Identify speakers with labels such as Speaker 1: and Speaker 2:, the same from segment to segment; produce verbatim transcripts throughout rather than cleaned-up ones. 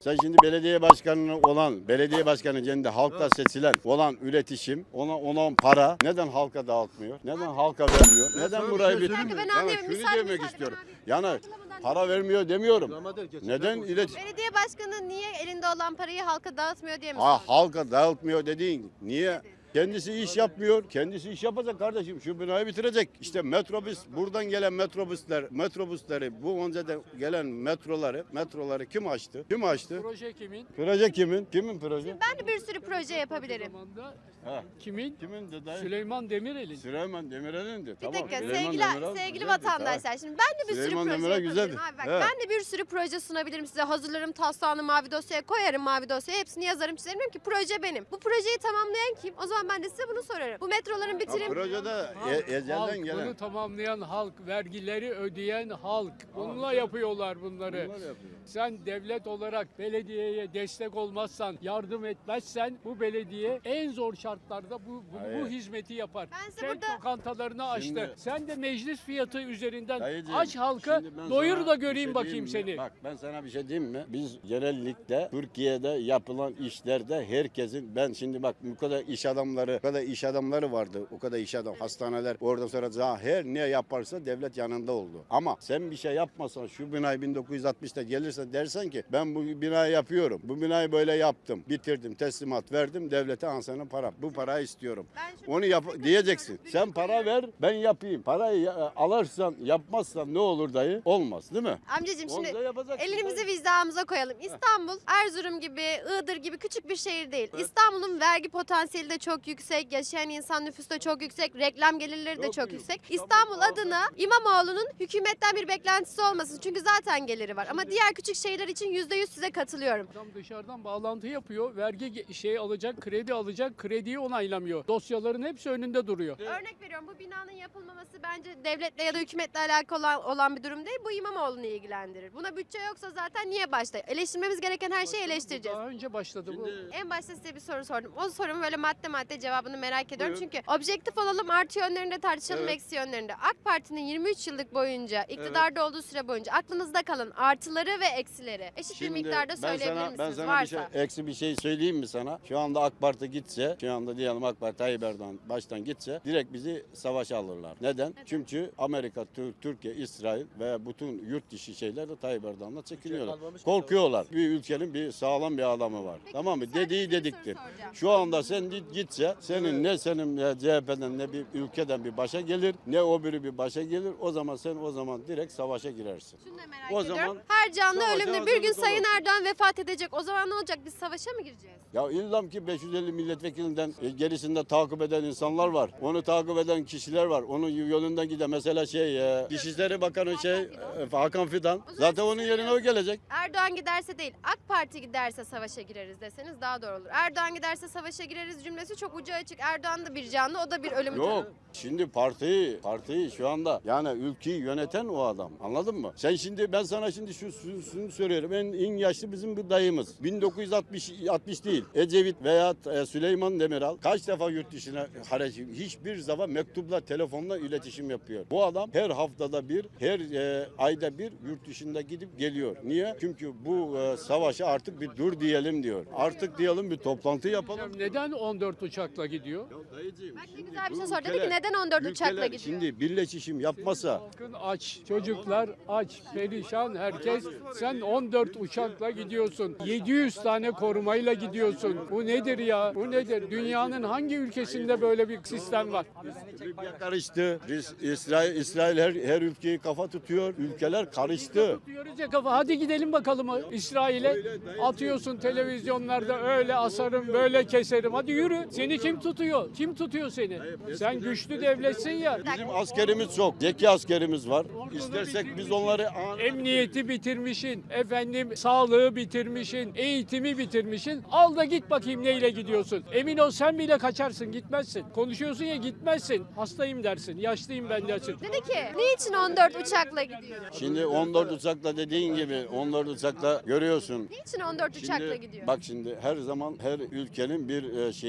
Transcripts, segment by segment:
Speaker 1: Sen şimdi belediye başkanı olan, belediye başkanı kendi halkta seçilen olan üretişim, ona ona para neden halka dağıtmıyor? Neden halka vermiyor? Neden burayı bir...
Speaker 2: Ben
Speaker 1: Yani
Speaker 2: anlayayım,
Speaker 1: şunu
Speaker 2: müsaade,
Speaker 1: demek
Speaker 2: müsaade,
Speaker 1: istiyorum.
Speaker 2: ben abi.
Speaker 1: Yani
Speaker 2: Yargılamadan
Speaker 1: para vermiyor demiyorum. Neden ilet
Speaker 2: Belediye başkanı niye elinde olan parayı halka dağıtmıyor diye mi
Speaker 1: Ha,
Speaker 2: sordun?
Speaker 1: halka dağıtmıyor dediğin niye? Kendisi iş yapmıyor. Kendisi iş yapacak kardeşim. Şu binayı bitirecek. İşte metrobüs, buradan gelen metrobüsler, metrobüsleri, bu önceden gelen metroları, metroları kim açtı? Kim açtı?
Speaker 3: Proje kimin?
Speaker 1: Proje kimin? Kimin proje?
Speaker 2: Ben de bir sürü proje yapabilirim.
Speaker 3: Zamanda
Speaker 1: Ha.
Speaker 3: kimin?
Speaker 1: Kimin de dayı?
Speaker 3: Süleyman Demirel'in.
Speaker 1: Süleyman Demirel'in de.
Speaker 2: Bir
Speaker 1: Tamam.
Speaker 2: dakika
Speaker 1: Süleyman
Speaker 2: sevgili,
Speaker 1: Demirel
Speaker 2: sevgili
Speaker 1: güzeldi,
Speaker 2: vatandaşlar, şimdi ben de bir
Speaker 1: Süleyman
Speaker 2: sürü proje
Speaker 1: Demirel
Speaker 2: yapabilirim.
Speaker 1: güzeldi.
Speaker 2: Abi bak,
Speaker 1: He.
Speaker 2: ben de bir sürü proje sunabilirim size. Hazırlarım taslağını mavi dosyaya koyarım, mavi dosyaya hepsini yazarım çizerim. Diyorum ki proje benim. Bu projeyi tamamlayan kim? O zaman ben de size bunu sorarım. Bu metroların
Speaker 1: Ha,
Speaker 2: bitirim.
Speaker 1: projede
Speaker 3: Halk,
Speaker 1: e, ezelden
Speaker 3: halk,
Speaker 1: gelen.
Speaker 3: bunu tamamlayan halk, vergileri ödeyen halk. Bununla yapıyorlar bunları.
Speaker 1: Bunlar yapıyor.
Speaker 3: Sen devlet olarak belediyeye destek olmazsan, yardım etmezsen bu belediye en zor şartlarda bu bu, bu
Speaker 1: Hayır.
Speaker 3: hizmeti yapar.
Speaker 2: Ben size
Speaker 3: Kent
Speaker 2: burada-
Speaker 3: lokantalarını açtı.
Speaker 1: Şimdi-
Speaker 3: Sen de meclis fiyatı üzerinden
Speaker 1: Dayıcığım,
Speaker 3: aç halka,
Speaker 1: şimdi ben
Speaker 3: doyur
Speaker 1: sana
Speaker 3: da
Speaker 1: bir
Speaker 3: göreyim
Speaker 1: şey
Speaker 3: bakayım
Speaker 1: diyeyim mi?
Speaker 3: seni.
Speaker 1: Bak ben sana bir şey diyeyim mi? Biz genellikle Türkiye'de yapılan işlerde herkesin, ben şimdi bak bu kadar iş adamları, o kadar iş adamları vardı. O kadar iş adam, hastaneler, oradan sonra daha her ne yaparsa devlet yanında oldu. Ama sen bir şey yapmasan, şu binayı bin dokuz yüz altmışta gelirse dersen ki ben bu binayı yapıyorum. Bu binayı böyle yaptım, bitirdim, teslimat verdim, devlete ansanın para. Bu parayı istiyorum.
Speaker 2: Ben şunu
Speaker 1: Onu yap diyeceksin.
Speaker 2: Bütün
Speaker 1: Sen para ver, ben yapayım. Parayı ya- alırsan, yapmazsan ne olur dayı? Olmaz, değil mi?
Speaker 2: Amcacığım
Speaker 1: Onu
Speaker 2: şimdi
Speaker 1: da yapacaksın
Speaker 2: elimizi
Speaker 1: dayı.
Speaker 2: vicdanımıza koyalım. İstanbul, Erzurum gibi, Iğdır gibi küçük bir şehir değil. İstanbul'un vergi potansiyeli de çok yüksek, yaşayan insan nüfusu da çok yüksek, reklam gelirleri de
Speaker 1: Çok
Speaker 2: çok
Speaker 1: büyük.
Speaker 2: yüksek.
Speaker 1: İstanbul
Speaker 2: İstanbul
Speaker 1: daha
Speaker 2: adına İmamoğlu'nun hükümetten bir beklentisi olmasın. Çünkü zaten geliri var. Ama diğer küçük şehirler için yüzde yüz size katılıyorum.
Speaker 3: Adam dışarıdan bağlantı yapıyor, vergi ge- şey alacak, kredi alacak, krediyi onaylamıyor. Dosyaların hepsi önünde duruyor.
Speaker 2: Örnek veriyorum, bu binanın yapılmaması bence devletle ya da hükümetle alakalı olan, olan bir durum değil. Bu İmamoğlu'nu ilgilendirir. Buna bütçe yoksa zaten niye başta? Eleştirmemiz gereken her şeyi eleştireceğiz.
Speaker 3: Daha önce başladı bu.
Speaker 1: Şimdi-
Speaker 2: En başta size bir soru sordum. O sorumun böyle madde madde cevabını merak ediyorum.
Speaker 1: Buyurun.
Speaker 2: Çünkü objektif olalım, artı yönlerinde tartışalım,
Speaker 1: Evet.
Speaker 2: eksi yönlerinde. AK Parti'nin yirmi üç yıllık boyunca, iktidarda olduğu süre boyunca aklınızda kalan artıları ve eksileri eşit bir miktarda
Speaker 1: ben
Speaker 2: söyleyebilir
Speaker 1: sana,
Speaker 2: misiniz?
Speaker 1: ben sana
Speaker 2: Varsa.
Speaker 1: bir şey, eksi bir şey söyleyeyim mi sana? Şu anda AK Parti gitse, şu anda diyelim AK Parti Tayyip Erdoğan baştan gitse direkt bizi savaşa alırlar. Neden? Çünkü Amerika, Tür- Türkiye, İsrail ve bütün yurt dışı şeyler de Tayyip Erdoğan'la çekiniyorlar. Korkuyorlar. Bir ülkenin bir sağlam bir adamı var.
Speaker 2: Peki,
Speaker 1: Tamam mı?
Speaker 2: müsaade
Speaker 1: Dediği
Speaker 2: bir soru
Speaker 1: dediktir.
Speaker 2: soracağım.
Speaker 1: Şu anda sen git- gitse senin ne senin e, C H P'den ne bir ülkeden bir başa gelir ne o biri bir başa gelir. O zaman sen o zaman direkt savaşa girersin.
Speaker 2: Şunu da merak
Speaker 1: O
Speaker 2: ediyorum.
Speaker 1: zaman
Speaker 2: Her canlı
Speaker 1: savaşa
Speaker 2: ölümde bir gün
Speaker 1: hazırlık
Speaker 2: Sayın
Speaker 1: olun.
Speaker 2: Erdoğan vefat edecek. O zaman ne olacak? Biz savaşa mı gireceğiz?
Speaker 1: Ya illam ki beş yüz elli milletvekilinden e, gerisinde takip eden insanlar var. Onu takip eden kişiler var. Onun yolundan giden mesela şey e, Dışişleri Bakanı şey e, Hakan Fidan.
Speaker 2: zaman
Speaker 1: Zaten
Speaker 2: siz
Speaker 1: onun yerine o gelecek.
Speaker 2: Erdoğan giderse değil, AK Parti giderse savaşa gireriz deseniz daha doğru olur. Erdoğan giderse savaşa gireriz cümlesi çok ucu açık. Erdoğan da bir canlı, o da bir ölüm.
Speaker 1: Yok. Şimdi partiyi, partiyi şu anda yani ülkeyi yöneten o adam. Anladın mı? Sen şimdi ben sana şimdi şu şu- şunu söylüyorum. En, en yaşlı bizim bir dayımız. bin dokuz yüz altmış altmış değil. Ecevit veya e, Süleyman Demirel kaç defa yurt dışına hareket hiçbir zaman mektupla, telefonla iletişim yapıyor. Bu adam her haftada bir, her e, ayda bir yurt dışında gidip geliyor. Niye? Çünkü bu e, savaşa artık bir dur diyelim diyor. Artık diyelim bir toplantı yapalım.
Speaker 3: Neden on dört uçakla gidiyor?
Speaker 1: Ya dayıcığım,
Speaker 2: Bak ne
Speaker 1: şimdi
Speaker 2: güzel bir
Speaker 1: bu
Speaker 2: şey sordu. Dedi ki
Speaker 1: ülkeler-
Speaker 2: neden on dört uçakla
Speaker 1: ülkeler
Speaker 2: gidiyor?
Speaker 1: Şimdi birleşişim yapmasa
Speaker 3: Halkın aç, çocuklar aç, perişan herkes. Sen on dört uçakla gidiyorsun. yedi yüz tane korumayla gidiyorsun. Bu nedir ya? Bu nedir? Dünyanın hangi ülkesinde böyle bir sistem var?
Speaker 1: Libya karıştı. Biz İsrail İsrail her, her ülkeyi kafa tutuyor. Ülkeler karıştı.
Speaker 3: Diyoruz ya kafa. Hadi gidelim bakalım İsrail'e. Atıyorsun televizyonlarda öyle asarım, böyle keserim. Hadi yürü. Seni kim tutuyor? Kim tutuyor seni? Sen güçlü devletsin ya.
Speaker 1: Bizim askerimiz çok. Zeki askerimiz var. İstersek biz onları
Speaker 3: Emniyeti bitirmişin, efendim sağlığı bitirmişin, eğitimi bitirmişin. Al da git bakayım neyle gidiyorsun. Emin ol sen bile kaçarsın, gitmezsin. Konuşuyorsun ya gitmezsin. Hastayım dersin, yaşlıyım ben dersin.
Speaker 2: Dedi ki niçin on dört uçakla gidiyor?
Speaker 1: Şimdi on dört uçakla dediğin gibi on dört uçakla görüyorsun.
Speaker 2: Niçin on dört uçakla
Speaker 1: Şimdi,
Speaker 2: gidiyor?
Speaker 1: bak şimdi her zaman her ülkenin bir e, şeyi vardır.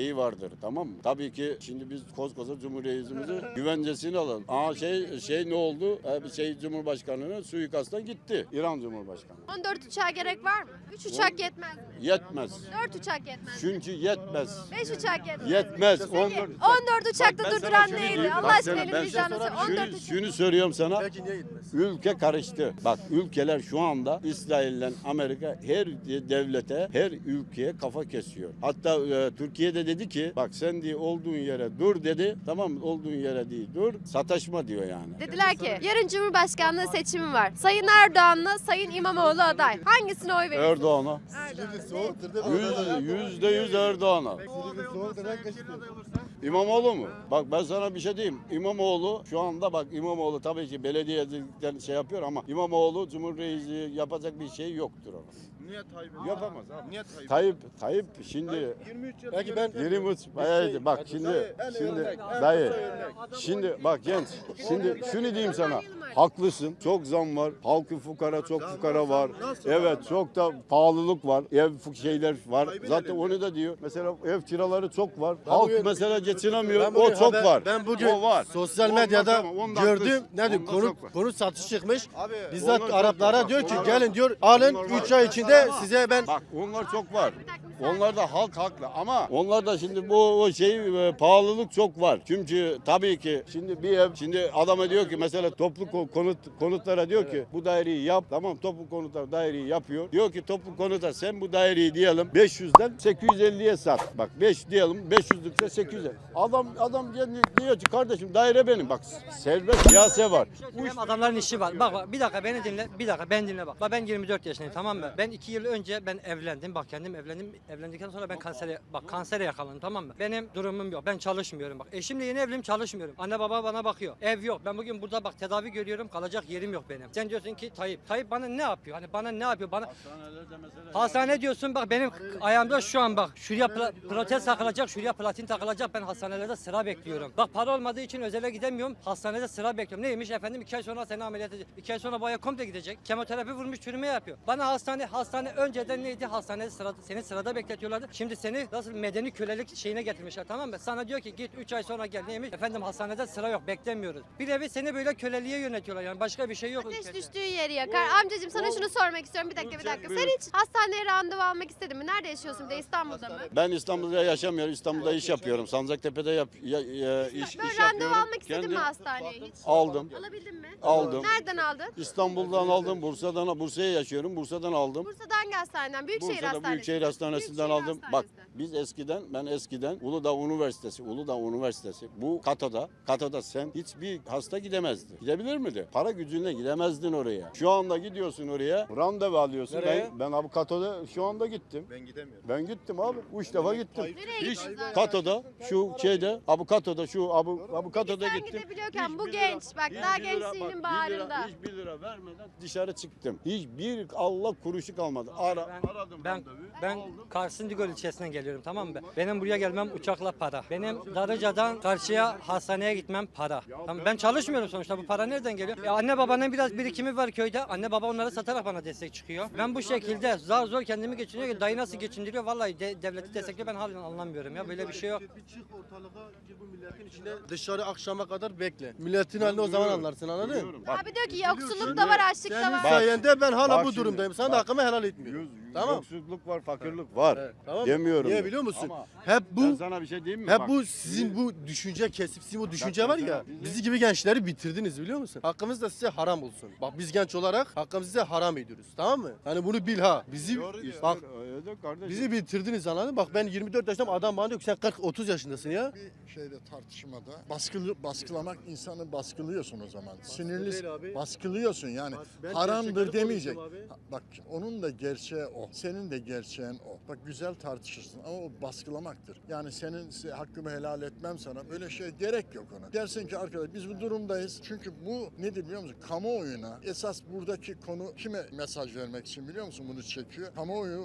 Speaker 1: yaptır, tamam mı? Tabii ki şimdi biz koskoca Cumhuriyetimizin güvencesini alalım. Aa şey şey ne oldu? Ee, şey Cumhurbaşkanı'nın suikasttan gitti. İran Cumhurbaşkanı.
Speaker 2: on dört uçağa gerek var mı? üç uçak yetmez mi?
Speaker 1: Yetmez.
Speaker 2: dört uçak yetmez mi?
Speaker 1: Çünkü yetmez.
Speaker 2: beş uçak yetmez mi?
Speaker 1: Yetmez.
Speaker 2: Peki,
Speaker 1: on dört
Speaker 2: on dört uçakta
Speaker 1: Bak ben
Speaker 2: durduran
Speaker 1: sana şunu
Speaker 2: neydi?
Speaker 1: diyeyim.
Speaker 2: Allah
Speaker 1: Bak
Speaker 2: aşkına
Speaker 1: sana
Speaker 2: elini
Speaker 1: ben
Speaker 2: vicdanı
Speaker 1: şunu-
Speaker 2: söyle. on dört
Speaker 1: şunu,
Speaker 2: uçak.
Speaker 1: şunu söylüyorum sana.
Speaker 4: Belki niye gitmez?
Speaker 1: Ülke karıştı. Bak ülkeler şu anda İsrail'le Amerika her devlete, her ülkeye kafa kesiyor. Hatta e, Türkiye'de dedi ki bak sen diye olduğun yere dur dedi. Tamam mı? Olduğun yere değil dur. Sataşma diyor yani.
Speaker 2: Dediler ki yarın Cumhurbaşkanlığı seçimi var. Sayın Erdoğan'la Sayın İmamoğlu aday. Hangisine oy verirsin?
Speaker 1: Erdoğan'a.
Speaker 4: Silivri soğuktur değil mi?
Speaker 1: Yüz, yüzde yüz Erdoğan'a.
Speaker 4: Silivri soğuktur. Herkes
Speaker 1: İmamoğlu mu? Bak ben sana bir şey diyeyim. İmamoğlu şu anda bak İmamoğlu tabii ki belediyeden şey yapıyor ama İmamoğlu Cumhurreisi yapacak bir şey yoktur ona.
Speaker 4: Niye Tayyip?
Speaker 1: Yapamaz abi.
Speaker 4: Niye Tayyip?
Speaker 1: Tayyip, Tayyip şimdi
Speaker 4: yirmi üç yıl.
Speaker 5: Belki ben
Speaker 1: yirmi üç bayağı bak şimdi şimdi dayı şimdi bak genç şimdi şunu diyeyim sana haklısın çok zam var halkı fukara çok fukara var evet çok da pahalılık var ev fu- şeyler var zaten onu da diyor mesela ev kiraları çok var halk
Speaker 5: bugün-
Speaker 1: mesela geçinemiyor
Speaker 5: Ben
Speaker 1: o
Speaker 5: bugün
Speaker 1: çok
Speaker 5: haber-
Speaker 1: var
Speaker 5: Ben bugün
Speaker 1: o var
Speaker 5: sosyal
Speaker 1: Ondan
Speaker 5: medyada
Speaker 1: sonra- ondan
Speaker 5: gördüm.
Speaker 1: haklısın.
Speaker 5: Nedir?
Speaker 1: Ondan
Speaker 5: Konu
Speaker 1: çok var.
Speaker 5: konu satış çıkmış.
Speaker 4: Abi
Speaker 5: Bizzat
Speaker 1: onlar çok
Speaker 5: Araplara
Speaker 1: var.
Speaker 5: diyor ki
Speaker 1: Onlar-
Speaker 5: gelin diyor alın
Speaker 1: onlar var.
Speaker 5: üç ay içinde size ben
Speaker 1: Bak onlar çok var.
Speaker 2: Bir dakika, bir saniye.
Speaker 1: Onlar da halk haklı ama onlar da şimdi bu o şey e, pahalılık çok var. Çünkü tabii ki şimdi bir ev şimdi adama diyor ki mesela toplu ko- konut konutlara diyor ki bu daireyi yap. Tamam toplu konutlar daireyi yapıyor. Diyor ki toplu konuta sen bu daireyi diyelim beş yüzden sekiz yüz elliye sat. Bak beş diyelim beş yüzlükse sekiz yüz. Adam adam kendi diyor ki kardeşim daire benim. Bak serbest piyasa var. Bu
Speaker 6: Benim adamların işi var. Bak bak bir dakika beni dinle. Bir dakika ben dinle bak. Bak ben yirmi dört yaşındayım tamam mı? Ben iki yıl önce ben evlendim. Bak kendim evlendim. Evlendikten sonra ben kansere bak kansere yakalandım tamam mı? Benim durumum yok. Ben çalışmıyorum bak. Eşimle yeni evliyim çalışmıyorum. Anne baba bana bakıyor. Ev yok. Ben bugün burada bak tedavi görüyorum. Kalacak yerim yok benim. Sen diyorsun ki Tayyip. Tayyip bana ne yapıyor? Hani bana ne yapıyor? Bana hastane diyorsun bak benim ayağımda şu an bak şuraya pla- protez takılacak, şuraya platin takılacak. Ben hastanelerde sıra bekliyorum. Bak para olmadığı için özele gidemiyorum. Hastanede sıra bekliyorum. Neymiş efendim? iki ay sonra seni ameliyat edecek. iki ay sonra boya komple gidecek. Kemoterapi vurmuş çürüme yapıyor. Bana hastane hastane önceden neydi? Hastanede sırada, seni sırada bekletiyorlardı. Şimdi seni nasıl medeni kölelik şeyine getirmişler tamam mı? Sana diyor ki git üç ay sonra gel. Neymiş? Efendim hastanede sıra yok beklemiyoruz. Bir nevi seni böyle köleliğe yönetiyorlar yani başka bir şey yok.
Speaker 2: Ateş
Speaker 6: ülkede.
Speaker 2: düştüğü yeri yakar. Amcacığım sana
Speaker 1: o-
Speaker 2: şunu sormak istiyorum. Bir dakika bir dakika. Sen hiç hastaneye randevu almak istedin mi? Nerede yaşıyorsun? Bir de İstanbul'da mı?
Speaker 1: Ben İstanbul'da yaşamıyorum. İstanbul'da iş yapıyorum. Sancaktepe'de yap, ya, ya- iş,
Speaker 2: Böyle
Speaker 1: iş
Speaker 2: randevu
Speaker 1: yapıyorum.
Speaker 2: almak istedin
Speaker 1: Kendi
Speaker 2: mi hastaneye hiç?
Speaker 1: aldım.
Speaker 2: Alabildin mi?
Speaker 1: Aldım.
Speaker 2: Nereden aldın?
Speaker 1: İstanbul'dan aldım. Bursa'dan Bursa'ya yaşıyorum. Bursa'dan aldım.
Speaker 2: Bursa'da hangi hastaneden? Büyükşehir
Speaker 1: Bursa'da
Speaker 2: Hastanesi.
Speaker 1: Büyükşehir Hastanesi'nden
Speaker 2: Büyükşehir
Speaker 1: aldım. Bak
Speaker 2: Hastanesi.
Speaker 1: biz eskiden ben eskiden Uludağ Üniversitesi, Uludağ Üniversitesi bu Kato'da, Kato'da sen hiçbir hasta gidemezdi. Gidebilir miydi? Para gücünle gidemezdin oraya. Şu anda gidiyorsun oraya, randevu alıyorsun.
Speaker 5: Nereye?
Speaker 1: Ben, ben abi Kato'da şu anda gittim.
Speaker 4: Ben gidemiyorum.
Speaker 1: Ben gittim abi. Üç defa gittim.
Speaker 2: Nereye
Speaker 1: Hiç
Speaker 2: gittiniz abi?
Speaker 1: Kato'da şu şeyde Abu Kato'da şu Abu Abu Kato'da
Speaker 2: Sen
Speaker 1: gittim.
Speaker 2: gidebiliyorken
Speaker 1: Hiç
Speaker 2: bu
Speaker 1: bir lira-
Speaker 2: genç bak
Speaker 1: hiç
Speaker 2: daha
Speaker 1: bir lira- bak,
Speaker 2: gençliğinin
Speaker 1: bir lira-
Speaker 2: bağrında.
Speaker 1: Hiç bir lira vermeden dışarı çıktım. Hiçbir Allah kuruşu kalmadı. Ara,
Speaker 6: Ben-
Speaker 1: aradım
Speaker 6: Ben
Speaker 1: randevu,
Speaker 6: ben
Speaker 1: aldım.
Speaker 6: Kars'ın Digol ilçesinden geliyorum tamam mı? Benim buraya gelmem uçakla para. Benim Darıca'dan karşıya hastaneye gitmem para. Tamam, ben çalışmıyorum sonuçta bu para nereden geliyor? Ya anne babanın biraz birikimi var köyde. Anne baba onları satarak bana destek çıkıyor. Ben bu şekilde zar zor kendimi geçiniyor. Dayı nasıl geçindiriyor? Vallahi de- devleti destekliyor ben halen anlamıyorum ya. Böyle bir şey yok.
Speaker 5: Bir çık ortalığa gir bu milletin içinde dışarı akşama kadar bekle. Milletin halini o zaman anlarsın anladın mı?
Speaker 1: Biliyorum. Bak,
Speaker 2: Abi diyor ki yoksulluk da var, açlık da
Speaker 5: Senin
Speaker 2: var.
Speaker 1: Bak.
Speaker 5: sayende ben hala
Speaker 1: Bak
Speaker 5: bu
Speaker 1: şimdi,
Speaker 5: durumdayım. Sen de
Speaker 1: bak.
Speaker 5: hakkımı helal etmiyorsun.
Speaker 1: yüz-
Speaker 5: Tamam.
Speaker 1: Yoksulluk var, fakirlik var.
Speaker 5: Evet, tamam mı?
Speaker 1: Demiyorum.
Speaker 5: Niye
Speaker 1: ben.
Speaker 5: biliyor musun?
Speaker 1: Ama
Speaker 5: Hep
Speaker 1: ben
Speaker 5: bu
Speaker 1: sana bir şey diyeyim mi?
Speaker 5: hep
Speaker 1: Bak,
Speaker 5: bu sizin bu düşünce kesip sizin bu düşünce
Speaker 1: ben
Speaker 5: var
Speaker 1: sana-
Speaker 5: ya
Speaker 1: bizi-
Speaker 5: bizi gibi gençleri bitirdiniz biliyor musun? Hakkımız da size haram olsun. Bak biz genç olarak hakkımızı size haram ediyoruz. Tamam mı? Hani bunu bil ha. Bizi
Speaker 4: Doğru diyor.
Speaker 5: bak
Speaker 1: Öyle kardeşim.
Speaker 5: bizi bitirdiniz anladın mı? Bak ben yirmi dört yaşındayım adam bana diyor ki sen kırk otuz yaşındasın ya.
Speaker 7: Bir şeyde tartışmada baskılı baskılamak insanı baskılıyorsun o zaman. Sinirli
Speaker 5: değil abi.
Speaker 7: baskılıyorsun yani.
Speaker 5: Bak, ben
Speaker 7: Haramdır
Speaker 5: gerçekleri
Speaker 7: demeyecek.
Speaker 5: konuştum abi.
Speaker 7: Ha, Bak onun da gerçeği o. Senin de gerçeğin o. Bak güzel tartışırsın ama o baskılamaktır. Yani senin se- hakkımı helal etmem sana. Böyle şey gerek yok ona. Dersin ki arkadaş biz bu durumdayız. Çünkü bu nedir biliyor musun? Kamuoyuna esas buradaki konu kime mesaj vermek için biliyor musun bunu çekiyor? Kamuoyuna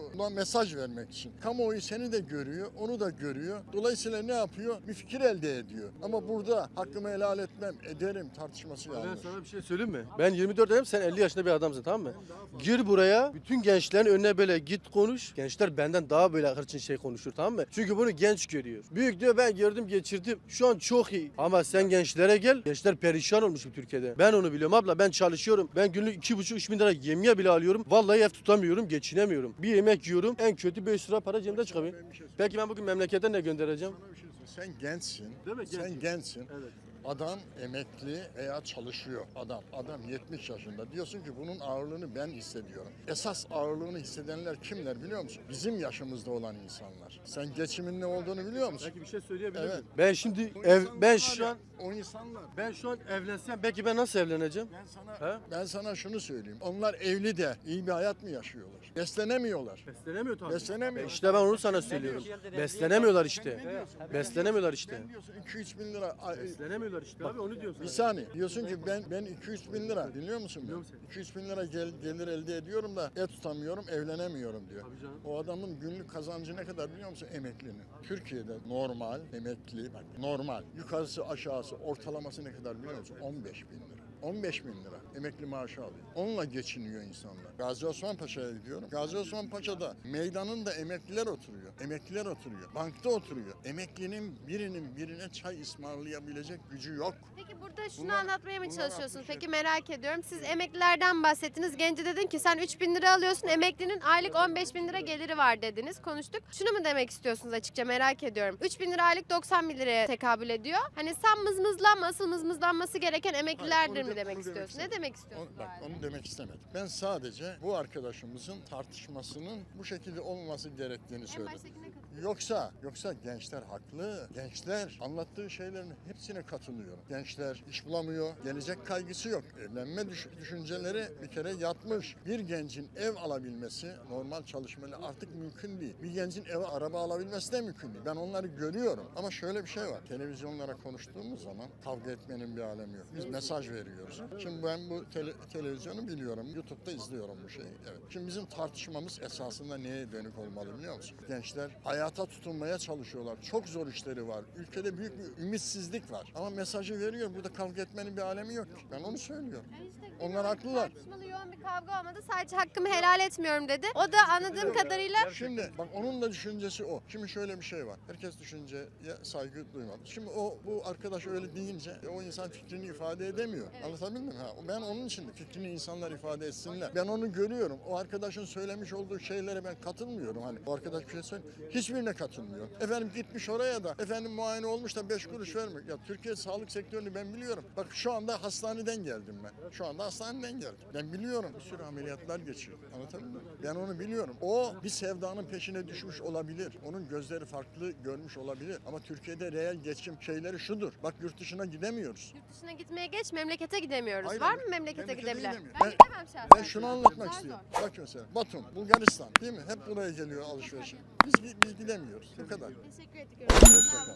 Speaker 7: mesaj vermek için. Kamuoyu seni de görüyor, onu da görüyor. Dolayısıyla ne yapıyor? Bir fikir elde ediyor. Ama burada hakkımı helal etmem, ederim tartışması
Speaker 5: Ben
Speaker 7: yanlış.
Speaker 5: sana bir şey söyleyeyim mi? Ben yirmi dört yaşındayım, sen elli yaşında bir adamsın, tamam mı? Gir buraya, bütün gençlerin önüne böyle git konuş. Gençler benden daha böyle hırçın şey konuşur, tamam mı? Çünkü bunu genç görüyor. Büyük diyor, ben gördüm geçirdim. Şu an çok iyi. Ama sen gençlere gel. Gençler perişan olmuş bu Türkiye'de. Ben onu biliyorum abla. Ben çalışıyorum. Ben günlük iki buçuk üç bin lira yemeğe bile alıyorum. Vallahi ev tutamıyorum, geçinemiyorum. Bir yemek yiyorum. En kötü beş lira para cebimde çıkıyor.
Speaker 7: Ben bir şey
Speaker 5: Peki ben bugün memleketten ne göndereceğim?
Speaker 7: Sana bir şey söyleyeyim. Sen gençsin.
Speaker 5: Değil mi?
Speaker 7: Sen
Speaker 5: Gençim.
Speaker 7: gençsin.
Speaker 5: Evet.
Speaker 7: Adam emekli veya çalışıyor. Adam adam yetmiş yaşında. Diyorsun ki bunun ağırlığını ben hissediyorum. Esas ağırlığını hissedenler kimler biliyor musun? Bizim yaşımızda olan insanlar. Sen geçimin ne olduğunu biliyor musun?
Speaker 5: Belki bir şey söyleyebilir
Speaker 7: Evet.
Speaker 5: miyim? Ben şimdi
Speaker 7: O
Speaker 5: ev
Speaker 7: insanlar
Speaker 5: ben
Speaker 7: var
Speaker 5: şu
Speaker 7: ya,
Speaker 5: an
Speaker 7: o insanlar.
Speaker 5: ben şu an evlensem belki ben nasıl evleneceğim?
Speaker 7: Ben sana
Speaker 5: He?
Speaker 7: ben sana şunu söyleyeyim. Onlar evli de iyi bir hayat mı yaşıyorlar? Beslenemiyorlar.
Speaker 5: Beslenemiyor tabii.
Speaker 7: Beslenemiyor.
Speaker 5: İşte ben onu sana söylüyorum. Beslenemiyorlar işte. Beslenemiyorlar işte.
Speaker 7: Ben diyorsun iki üç bin lira. ay,
Speaker 5: Beslenemiyorlar işte abi, onu diyorum
Speaker 7: Bir
Speaker 5: sana.
Speaker 7: saniye. Diyorsun ki ben ben iki üç bin lira biliyor musun?
Speaker 5: Biliyorum
Speaker 7: Ben? iki üç bin lira gel, gelir elde ediyorum da et tutamıyorum, evlenemiyorum diyor.
Speaker 5: Tabii canım.
Speaker 7: O adamın günlük kazancı ne kadar biliyor musun? Emeklinin. Türkiye'de normal emekli bak normal yukarısı aşağısı ortalaması ne kadar biliyor musun? on beş bin lira. on beş bin lira emekli maaşı alıyor. Onunla geçiniyor insanlar. Gazi Osman Paşa'ya gidiyorum. Gazi Osman Paşa'da meydanında emekliler oturuyor. Emekliler oturuyor. Bankta oturuyor. Emeklinin birinin birine çay ısmarlayabilecek gücü yok.
Speaker 2: Peki burada şunu
Speaker 7: Bunlar-
Speaker 2: anlatmaya mı
Speaker 7: bunlar
Speaker 2: çalışıyorsunuz?
Speaker 7: altmış
Speaker 2: Peki merak ediyorum. Siz emeklilerden bahsettiniz. Gence dedin ki sen üç bin lira alıyorsun. Emeklinin aylık on beş bin lira geliri var dediniz. Konuştuk. Şunu mu demek istiyorsunuz açıkça merak ediyorum. üç bin lira aylık doksan bin liraya tekabül ediyor. Hani sen mızmızlanma, asıl mızmızlanması gereken emeklilerdir
Speaker 7: Hayır, onu
Speaker 2: mi
Speaker 7: de-
Speaker 2: demek
Speaker 7: onu
Speaker 2: istiyorsun? Ne
Speaker 7: istemedim.
Speaker 2: demek
Speaker 7: Onu-
Speaker 2: istiyorsun? bu
Speaker 7: bak
Speaker 2: halde?
Speaker 7: onu demek istemedim. Ben sadece bu arkadaşımızın tartışmasının bu şekilde olmaması gerektiğini
Speaker 2: En
Speaker 7: söyledim.
Speaker 2: baştakine katılıyorum.
Speaker 7: Yoksa yoksa gençler haklı. Gençler anlattığı şeylerin hepsine katılıyorum. Gençler iş bulamıyor, gelecek kaygısı yok. Evlenme düş- düşünceleri bir kere yatmış. Bir gencin ev alabilmesi normal çalışmayla artık mümkün değil. Bir gencin eve araba alabilmesi de mümkün değil. Ben onları görüyorum. Ama şöyle bir şey var. Televizyonlara konuştuğumuz zaman kavga etmenin bir alemi yok. Biz mesaj veriyoruz. Şimdi ben bu tele- televizyonu biliyorum. YouTube'da izliyorum bu şeyi. Evet. Şimdi bizim tartışmamız esasında neye dönük olmalı biliyor musun? Gençler hayata tutunmaya çalışıyorlar. Çok zor işleri var. Ülkede büyük bir ümitsizlik var. Ama mesajı veriyor. Burada kavga etmenin bir alemi yok ki. Ben onu söylüyorum.
Speaker 2: Yani işte
Speaker 7: Onlar
Speaker 2: genel
Speaker 7: haklılar.
Speaker 2: Tartışmalı yoğun bir kavga olmadı. Sadece hakkımı helal etmiyorum dedi. O da anladığım kadarıyla
Speaker 7: Şimdi bak onun da düşüncesi o. Şimdi şöyle bir şey var. Herkes düşünceye saygı duymalı. Şimdi o bu arkadaş öyle deyince e, o insan fikrini ifade edemiyor.
Speaker 2: Evet.
Speaker 7: Anlatabildim mi? Ha, ben onun için de fikrini insanlar ifade etsinler. Ben onu görüyorum. O arkadaşın söylemiş olduğu şeylere ben katılmıyorum. Hani o arkadaş bir şey söylüyor. Hiçbirine katılmıyor. Efendim gitmiş oraya da efendim muayene olmuş da beş kuruş vermiyor. Ya Türkiye sağlık sektörünü ben biliyorum. Bak şu anda hastaneden geldim ben. Şu anda hastaneden geldim. Ben biliyorum. Bir sürü ameliyatlar geçiyor. Anlatabildim mi? Ben onu biliyorum. O bir sevdanın peşine düşmüş olabilir. Onun gözleri farklı görmüş olabilir. Ama Türkiye'de reel geçim şeyleri şudur. Bak yurt dışına gidemiyoruz.
Speaker 2: yurt dışına gitmeye geç, memlekete gidemiyoruz.
Speaker 7: Hayır,
Speaker 2: Var
Speaker 7: ben-
Speaker 2: mı memlekete
Speaker 7: memlekete
Speaker 2: gidebilen?
Speaker 7: gidemiyorum.
Speaker 2: Ben,
Speaker 7: Ben-
Speaker 2: gidemem şahsen.
Speaker 7: Ben şunu anlatmak
Speaker 2: Zar
Speaker 7: istiyorum.
Speaker 2: zor.
Speaker 7: Bak mesela Batum, Bulgaristan değil mi? Hep buraya geliyor alışverişe. Biz, biz gidemiyoruz. Bu kadar.
Speaker 2: Teşekkür ettik.